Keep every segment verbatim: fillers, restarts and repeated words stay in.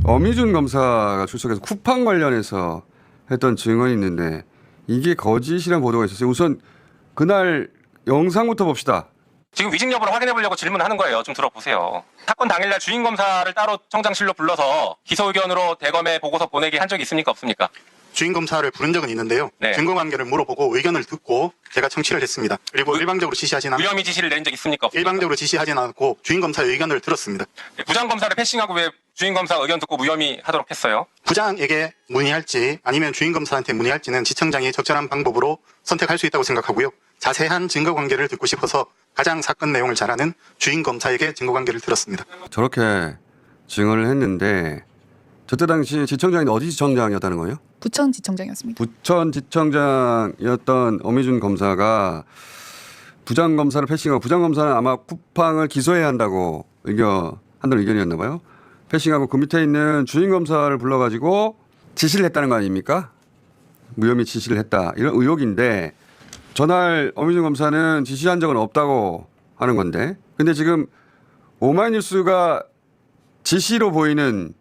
어미준 검사가 출석해서 쿠팡 관련해서 했던 증언이 있는데 이게 거짓이라는 보도가 있었어요. 우선 그날 영상부터 봅시다. 지금 위증 여부를 확인해 보려고 질문하는 거예요. 좀 들어보세요. 사건 당일날 주인 검사를 따로 청장실로 불러서 기소 의견으로 대검에 보고서 보내게 한 적이 있습니까? 없습니까? 주인 검사를 부른 적은 있는데요. 네. 증거관계를 물어보고 의견을 듣고 제가 청취를 했습니다. 그리고 일방적으로 지시하진 않 무혐의 지시를 내린 적 있습니까? 없습니까? 일방적으로 지시하진 않고 주인 검사의 의견을 들었습니다. 네, 부장 검사를 패싱하고 왜 주인 검사 의견 듣고 무혐의 하도록 했어요? 부장에게 문의할지 아니면 주인 검사한테 문의할지는 지청장이 적절한 방법으로 선택할 수 있다고 생각하고요. 자세한 증거관계를 듣고 싶어서 가장 사건 내용을 잘 아는 주인 검사에게 증거관계를 들었습니다. 저렇게 증언을 했는데 저때 당시 지청장이 어디 지청장이었다는 거예요? 부천지청장이었습니다. 부천지청장이었던 어미준 검사가 부장검사를 패싱하고 부장검사는 아마 쿠팡을 기소해야 한다고 의견한다는 의견이었나 봐요. 패싱하고 그 밑에 있는 주인검사를 불러가지고 지시를 했다는 거 아닙니까? 무혐의 지시를 했다. 이런 의혹인데 전날 어미준 검사는 지시한 적은 없다고 하는 건데 근데 지금 오마이뉴스가 지시로 보이는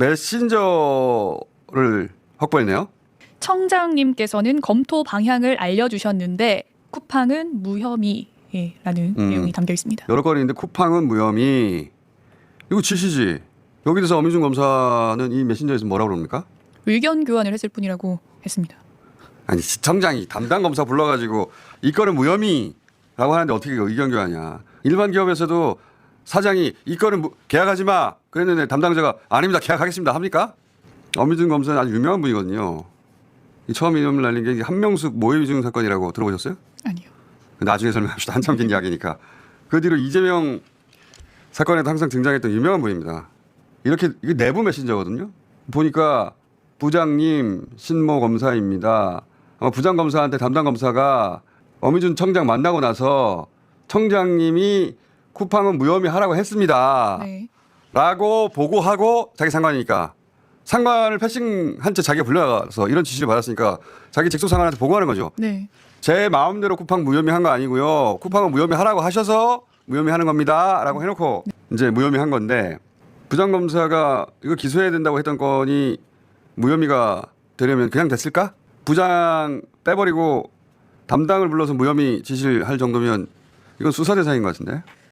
메신저를 확보했네요. 청장님께서는 검토 방향을 알려주셨는데 쿠팡은 무혐의라는 음. 내용이 담겨 있습니다. 여러 건이 있는데 쿠팡은 무혐의. 이거 지시지. 여기 대해서 어미준 검사는 이 메신저에서 뭐라고 그럽니까? 의견 교환을 했을 뿐이라고 했습니다. 아니 지청장이 담당 검사 불러가지고 이 건은 무혐의라고 하는데 어떻게 의견 교환이야. 일반 기업에서도 사장이 이 건은 무, 계약하지 마 그랬는데 담당자가 아닙니다 계약하겠습니다 합니까? 어미준 검사는 아주 유명한 분이거든요. 이 처음 이름을 날린 게 한명숙 모의 위증 사건이라고 들어보셨어요? 아니요. 나중에 설명합시다. 한참 긴 이야기니까. 그 뒤로 이재명 사건에도 항상 등장했던 유명한 분입니다. 이렇게 이게 내부 메신저거든요. 보니까 부장님 신모 검사입니다. 아마 부장 검사한테 담당 검사가 어미준 청장 만나고 나서 청장님이 쿠팡은 무혐의 하라고 했습니다. 네. 라고 보고하고 자기 상관이니까 상관을 패싱한 채 자기가 불려가서 이런 지시를 받았으니까 자기 직속 상관한테 보고하는 거죠. 네. 제 마음대로 쿠팡 무혐의 한 거 아니고요. 쿠팡은 무혐의 하라고 하셔서 무혐의 하는 겁니다. 라고 해놓고 이제 무혐의 한 건데 부장검사가 이거 기소해야 된다고 했던 건이 무혐의가 되려면 그냥 됐을까? 부장 빼버리고 담당을 불러서 무혐의 지시를 할 정도면 이건 수사 대상인 것 같은데.